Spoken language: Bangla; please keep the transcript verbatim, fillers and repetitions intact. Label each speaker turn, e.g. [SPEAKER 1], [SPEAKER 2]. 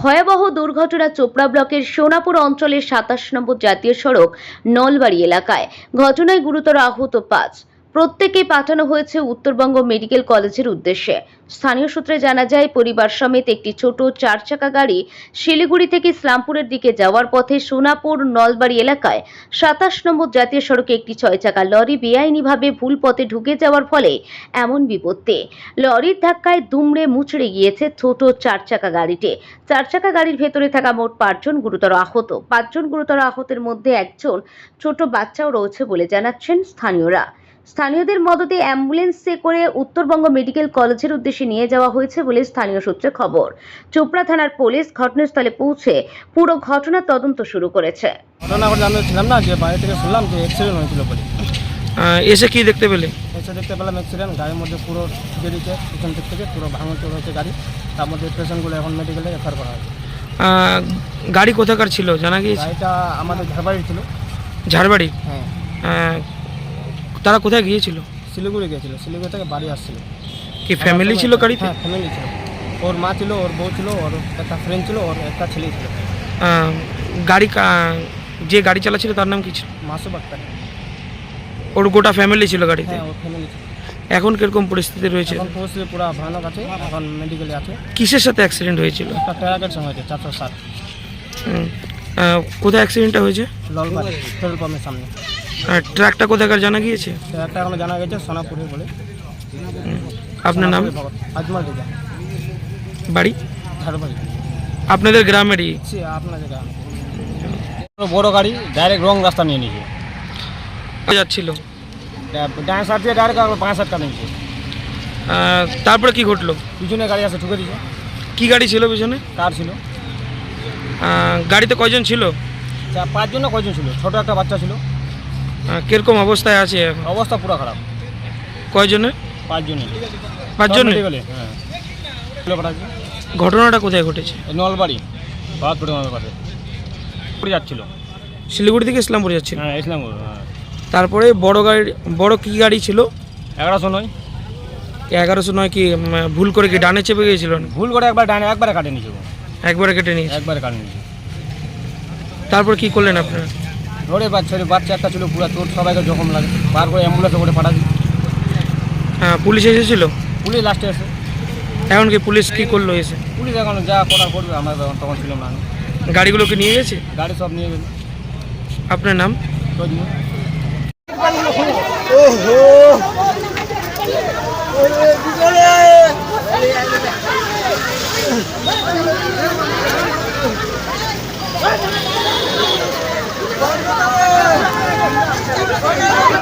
[SPEAKER 1] ভয়াবহ দুর্ঘটনা চোপড়া ব্লকের সোনাপুর অঞ্চলের সাতাশ নম্বর জাতীয় সড়ক নলবাড়ি এলাকায়। ঘটনায় গুরুতর আহত পাঁচ। প্রত্যেকেই পাঠানো হয়েছে উত্তরবঙ্গ মেডিকেল কলেজের উদ্দেশ্যে। স্থানীয় সূত্রে জানা যায়, পরিবার সমেত একটি ছোট চার চাকা গাড়ি শিলিগুড়ি থেকে ইসলামপুরের দিকে যাওয়ার পথে সোনাপুর নলবাড়ি এলাকায় সাতাশ নম্বর জাতীয় সড়কে একটি ছয় চাকা লরি বেআইনিভাবে ভুল পথে ঢুকে যাওয়ার ফলে এমন বিপত্তি। লরির ধাক্কায় দুমড়ে মুচড়ে গিয়েছে ছোট চার চাকা গাড়িটি। চার চাকা গাড়ির ভেতরে থাকা মোট পাঁচজন গুরুতর আহত। পাঁচজন গুরুতর আহতের মধ্যে একজন ছোট বাচ্চাও রয়েছে বলে জানাচ্ছেন স্থানীয়রা। স্থানীয়দের মদতে অ্যাম্বুলেন্সে করে উত্তরবঙ্গ মেডিকেল কলেজের উদ্দেশ্যে নিয়ে যাওয়া হয়েছে বলে স্থানীয় সূত্রে খবর। চোপড়া থানার পুলিশ ঘটনাস্থলে পৌঁছে পুরো ঘটনার তদন্ত শুরু করেছে।
[SPEAKER 2] ঘটনা ঘটে আমি ছিলাম না, যে বাইরে থেকে শুনলাম যে অ্যাক্সিডেন্ট হয়েছিল বলে।
[SPEAKER 3] এসে কি দেখতে পেলে?
[SPEAKER 2] এসে দেখতে পেলাম অ্যাক্সিডেন্ট, গাড়ির মধ্যে পুরো বেরিয়েছে, পিছন দিক থেকে পুরো ভাঙচুর হয়েছে গাড়ি। তার মধ্যে পেশেন্টগুলো এখন মেডিকেলে রেফার করা হয়েছে।
[SPEAKER 3] গাড়ি কোথাকার ছিল জানা গিয়েছে?
[SPEAKER 2] গাড়িটা আমাদের ঝাড়বাড়ির ছিল।
[SPEAKER 3] ঝাড়বাড়ি?
[SPEAKER 2] হ্যাঁ।
[SPEAKER 3] তারা কোথায় গিয়েছিল?
[SPEAKER 2] শিলিগুড়ি গিয়েছিল, শিলিগুড়ি থেকে বাড়ি আসছিল।
[SPEAKER 3] কি ফ্যামিলি ছিল গাড়িতে?
[SPEAKER 2] হ্যাঁ, ফ্যামিলি ছিল। ওর মা ছিল, ওর বউ ছিল, ওর একটা ফ্রেন্ড ছিল, ওর একটা ছেলে ছিল।
[SPEAKER 3] গাড়ি যে গাড়ি চালাচ্ছিল তার নাম কি ছিল?
[SPEAKER 2] মাসুম আক্তার।
[SPEAKER 3] ওর গোটা ফ্যামিলি ছিল গাড়িতে?
[SPEAKER 2] হ্যাঁ, ওর ফ্যামিলি ছিল।
[SPEAKER 3] এখন কিরকম পরিস্থিতি রয়েছে?
[SPEAKER 2] এখন পরিস্থিতি পুরো ভয়ানক আছে, এখন মেডিকেলে আছে।
[SPEAKER 3] কিসের সাথে অ্যাক্সিডেন্ট হয়েছিল?
[SPEAKER 2] একটা ট্রাকের সঙ্গে হয়েছে, চারশো সাত।
[SPEAKER 3] কোথায় অ্যাক্সিডেন্টটা হয়েছে?
[SPEAKER 2] ললবাড়ি পেট্রোল পাম্পের সামনে।
[SPEAKER 3] ট্রাকটা কোথাকার জানা গিয়েছে?
[SPEAKER 2] ট্রাকটা এখনো জানা গেছে সোনাপুরে বলে।
[SPEAKER 3] আপনার নাম?
[SPEAKER 2] আজমাল রেজা।
[SPEAKER 3] বাড়ি?
[SPEAKER 2] ঝাড়বাড়ি।
[SPEAKER 3] আপনাদের গ্রামেরই?
[SPEAKER 2] আপনাদের গ্রাম। বড় গাড়ি ডাইরেক্ট রং রাস্তা নিয়ে নিয়েছে।
[SPEAKER 3] যাচ্ছিল
[SPEAKER 2] ডান সাইড দিয়ে ডাইরেক্ট পাঁচ সাত কাটা নিয়েছে।
[SPEAKER 3] তারপরে কি ঘটলো?
[SPEAKER 2] পিছনে গাড়ি আছে, ঠুকে দিয়েছে।
[SPEAKER 3] কি গাড়ি ছিল পিছনে?
[SPEAKER 2] কার ছিল।
[SPEAKER 3] গাড়িতে কয়জন ছিল?
[SPEAKER 2] পাঁচজন না কয়জন ছিল, ছোট একটা বাচ্চা ছিল।
[SPEAKER 3] কিরকম অবস্থায় আছে?
[SPEAKER 2] অবস্থা পুরো খারাপ।
[SPEAKER 3] কয়জনে?
[SPEAKER 2] পাঁচজনে।
[SPEAKER 3] পাঁচজনে?
[SPEAKER 2] হ্যাঁ।
[SPEAKER 3] ঘটনাটা কোথায় ঘটেছে?
[SPEAKER 2] নলবাড়ি বাহাত্তর পাশে যাচ্ছিল।
[SPEAKER 3] শিলিগুড়ি থেকে ইসলামপুর যাচ্ছিল?
[SPEAKER 2] হ্যাঁ, ইসলামপুর। হ্যাঁ।
[SPEAKER 3] তারপরে বড় গাড়ি, বড় কি গাড়ি ছিল?
[SPEAKER 2] এগারোশো নয়।
[SPEAKER 3] এগারোশো নয় কি ভুল করে কি ডানে চেপে গিয়েছিল?
[SPEAKER 2] ভুল করে একবার ডানে একবারে কাটে নিয়েছে।
[SPEAKER 3] একবারে কেটে নিয়েছে?
[SPEAKER 2] একবারে কাটে নিয়েছে।
[SPEAKER 3] তারপর কি করলেন আপনারা?
[SPEAKER 2] ধরে বাচ্চা বাচ্চা একটা ছিল, পুরো তোর সবাইকে জখম লাগে, বার করে অ্যাম্বুলেন্সে করে পাঠাচ্ছি।
[SPEAKER 3] হ্যাঁ, পুলিশ এসেছিল?
[SPEAKER 2] পুলিশ লাস্টে এসে।
[SPEAKER 3] এখন কি পুলিশ কি করলো এসে?
[SPEAKER 2] পুলিশ এখন যা করার করবে, আমরা তখন ছিলাম না।
[SPEAKER 3] গাড়িগুলোকে নিয়ে গেছে?
[SPEAKER 2] গাড়ি সব নিয়ে গেছে।
[SPEAKER 3] আপনার নাম?
[SPEAKER 2] ওহো।